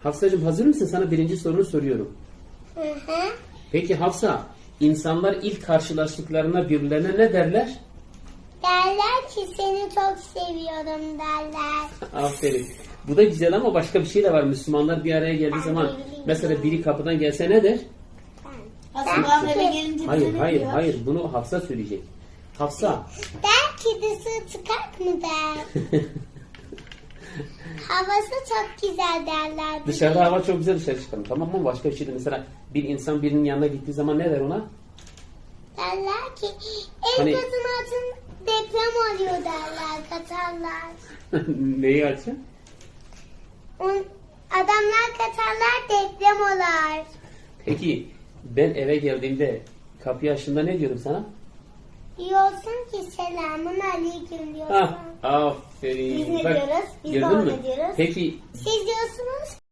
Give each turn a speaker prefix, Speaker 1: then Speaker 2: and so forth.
Speaker 1: Hafsacığım hazır mısın? Sana birinci sorunu soruyorum.
Speaker 2: Hı hı.
Speaker 1: Peki Hafsa, insanlar ilk karşılaştıklarına birbirlerine ne derler?
Speaker 2: Derler ki seni çok seviyorum derler.
Speaker 1: Aferin. Bu da güzel ama başka bir şey de var. Müslümanlar bir araya geldiği zaman mesela biri kapıdan gelse ne der?
Speaker 3: Aslında eve gelince bize
Speaker 1: Hayır,
Speaker 3: ne
Speaker 1: hayır,
Speaker 3: diyor?
Speaker 1: hayır. Bunu Hafsa söyleyecek. Hafsa.
Speaker 2: Der ki dışı çıkart mı der. Havası çok güzel derler.
Speaker 1: Dışarıda hava çok güzel, dışarı çıkalım. Tamam mı? Başka bir şey de mesela bir insan birinin yanına gittiği zaman ne der ona?
Speaker 2: Derler ki
Speaker 1: Hani-
Speaker 2: evlatın altın deprem oluyor derler, katarlar.
Speaker 1: Neyi açın?
Speaker 2: Adamlar katarlar, deprem olar.
Speaker 1: Peki ben eve geldiğimde kapıyı açtığımda ne diyordum sana?
Speaker 2: Diyorsun ki selamun aleyküm diyorsun.
Speaker 1: Ah, aferin.
Speaker 2: Biz ne
Speaker 1: Bak,
Speaker 2: diyoruz? Biz de
Speaker 1: gördün
Speaker 2: ona
Speaker 1: mü?
Speaker 2: diyoruz.
Speaker 1: Peki
Speaker 2: Siz diyorsunuz